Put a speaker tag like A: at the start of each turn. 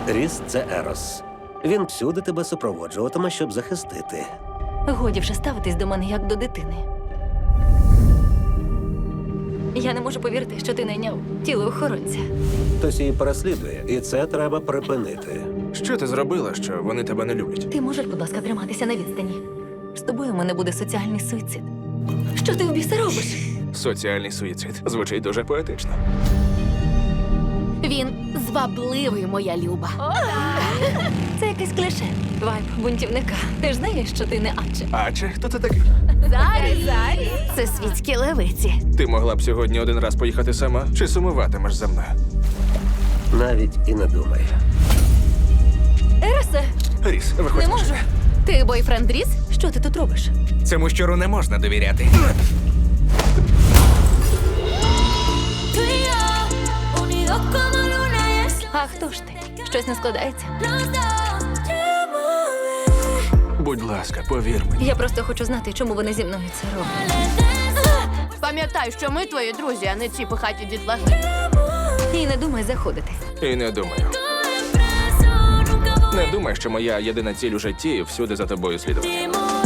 A: Ріс – це Ерос. Він всюди тебе супроводжуватиме, щоб захистити.
B: Годі вже ставитись до мене як до дитини. Я не можу повірити, що ти найняв тіло охоронця.
A: Хтось її переслідує, і це треба припинити.
C: Що ти зробила, що вони тебе не люблять?
B: Ти можеш, будь ласка, триматися на відстані. З тобою у мене буде соціальний суїцид. Що ти в біса робиш?
C: Соціальний суїцид. Звучить дуже поетично.
D: Він звабливий, моя люба.
B: Це якесь кліше. Вайб бунтівника. Ти ж знаєш, що ти не Адже.
C: Адже, хто ти такий?
D: Зарі! Це світські левиці.
C: Ти могла б сьогодні один раз поїхати сама, чи сумуватимеш за мною?
A: Навіть і не думай.
B: Еросе,
C: Ріс, виходь.
B: не можу.
D: Ти бойфренд Ріс?
B: Що ти тут робиш?
C: Цьому щуру не можна довіряти.
B: А хто ж ти? Щось не складається?
C: Будь ласка, повір мені.
B: Я просто хочу знати, чому вони зі мною це роблять.
D: Пам'ятай, що ми твої друзі, а не ці пихаті дітлахи.
B: І не думай заходити.
C: І не думаю. Не думай, що моя єдина ціль у житті всюди за тобою слідувати.